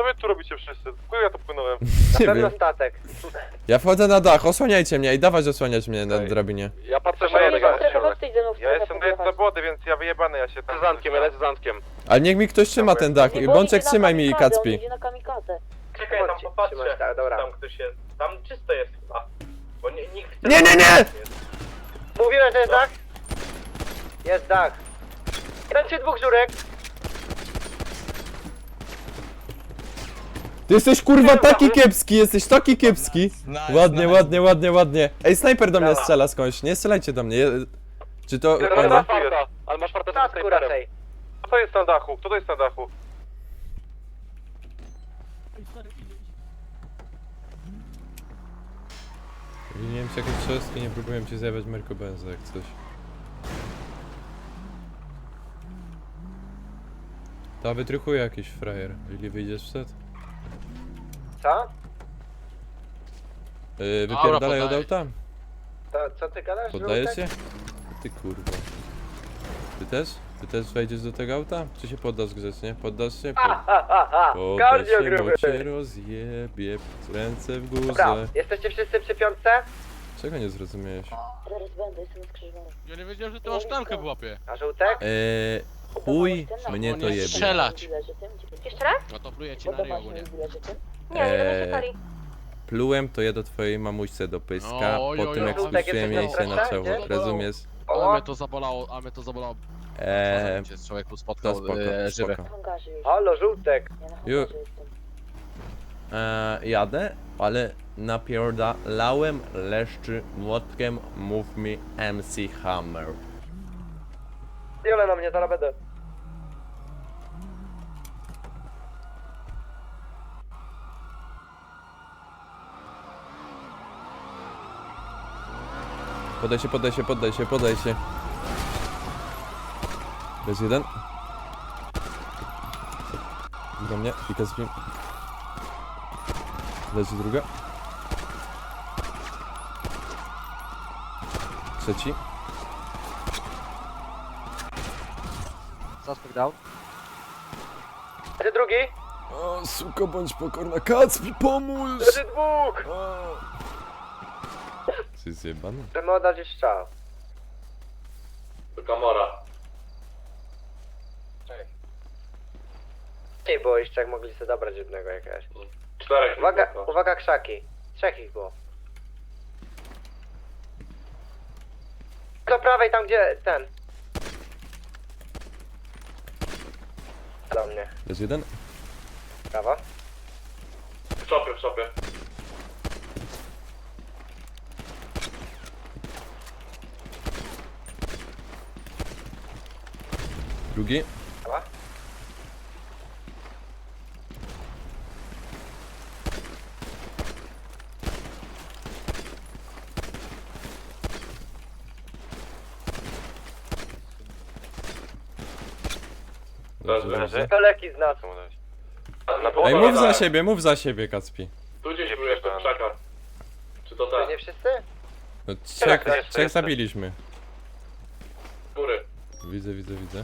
wy tu robicie wszyscy? Chuj ja tu płynąłem. Nie Na pewno wiem. statek. Ja wchodzę na dach, osłaniajcie mnie i dawać osłaniać mnie na Okej. drabinie. Ja patrzę Proszę na nie jednego. zastrefy, chodź ty ze mną w Ja strefę jestem podjechać. na wody, więc ja wyjebany, ja się tam... Z Antkiem, ja lecę z Antkiem. Ale niech mi ktoś trzyma ten dach. Nie, bo on Bączek, idzie na trzymaj mi kamikadze, on Kacpi. idzie na kamikadze. Czekaj, tam popatrzę. Trzymać, tak, dobra. Tam ktoś jest. Tam czysto jest chyba. Bo nikt... Nie, nie, nie! Mówiłem, że jest dach? Jest dach. Jeden czy dwóch żurek? Ty jesteś kurwa taki kiepski, jesteś taki kiepski. Ładnie, ładnie, ładnie, ładnie. Ej, snajper do mnie strzela skądś, nie strzelajcie do mnie. Czy to... Nie, o, nie? farta, ale masz farta z Statku snajperem. raczej. Kto to jest na dachu? Kto to jest na dachu? Winiłem się jakieś trzostki, nie próbuję ci zjawiać Merko Benza jak coś. Ta wytrychuje jakiś frajer. Ili wyjdziesz wstęd? Co? Wypierdalaj od auta? To, co ty gadasz? Poddajesz żółtek? się? Ty kurwa. Ty też? Ty też wejdziesz do tego auta? Czy się poddasz grzecznie? Poddasz się? Ha, ha, ha. Poddasz Kardio się, gruby. bo cię rozjebie. Ręce w Dobra, górze. jesteście wszyscy przy piątce? Czego nie zrozumiałeś? Zaraz będę, jestem skrzyżowany. Ja nie wiedziałem, że ty masz szklankę w łapie. A żółtek? Chuj mnie to jebie. Strzelać. Jeszcze raz? No to pluję ci na ryj ogólnie. Nie, nie będę się pali. Plułem to je do twojej mamuśce do pyska, Oj, po oj, tym oj. jak Żółtek, spuściłem jesteś jej się na na czoło. stresie? Rozumiesz? Ale mnie to zabolało, a mnie to zabolało. Eee, Cię z człowieku to spotkał spoko, żywy. spoko. Na hangarze już. Halo, żółtek. Ja na Ju- hangarze jestem. Jadę, ale napierdalałem leszczy młotkiem, mów mi MC Hammer. Jole na mnie, zaraz będę. Podaj się, podaj się, podaj się, podaj się. Bez jeden. Do mnie, pika z nim. Leży druga. Trzeci. Suspect down. Leży drugi. O, suko, bądź pokorna. Kacpi, pomóż! Leży dwóch. Jesteś zjebany? Chcemy oddać już strzał. Do Kamora. Nie było jeszcze, jak mogli sobie dobrać jednego jakiegoś. 4. Uwaga, uwaga krzaki. Trzech ich było. Do prawej, tam gdzie ten. Do mnie. Bez jeden. Prawo. W szopie, w szopie. Drugi. Prawa. Dobrze. To leki z nas. Ej, mów za siebie, Kacpi. Tu gdzieś był jeszcze w krzakach. Czy to To tak? nie wszyscy? No, Jestem. trzech zabiliśmy. Góry. Widzę, widzę, widzę.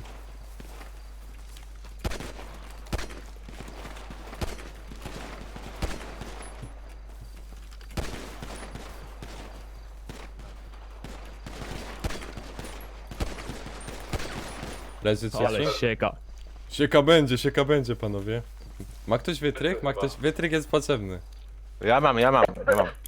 Leży trzeci. sieka. Sieka będzie, panowie. Ma ktoś wytrych? Ma ktoś... Wytrych jest potrzebny. Ja mam.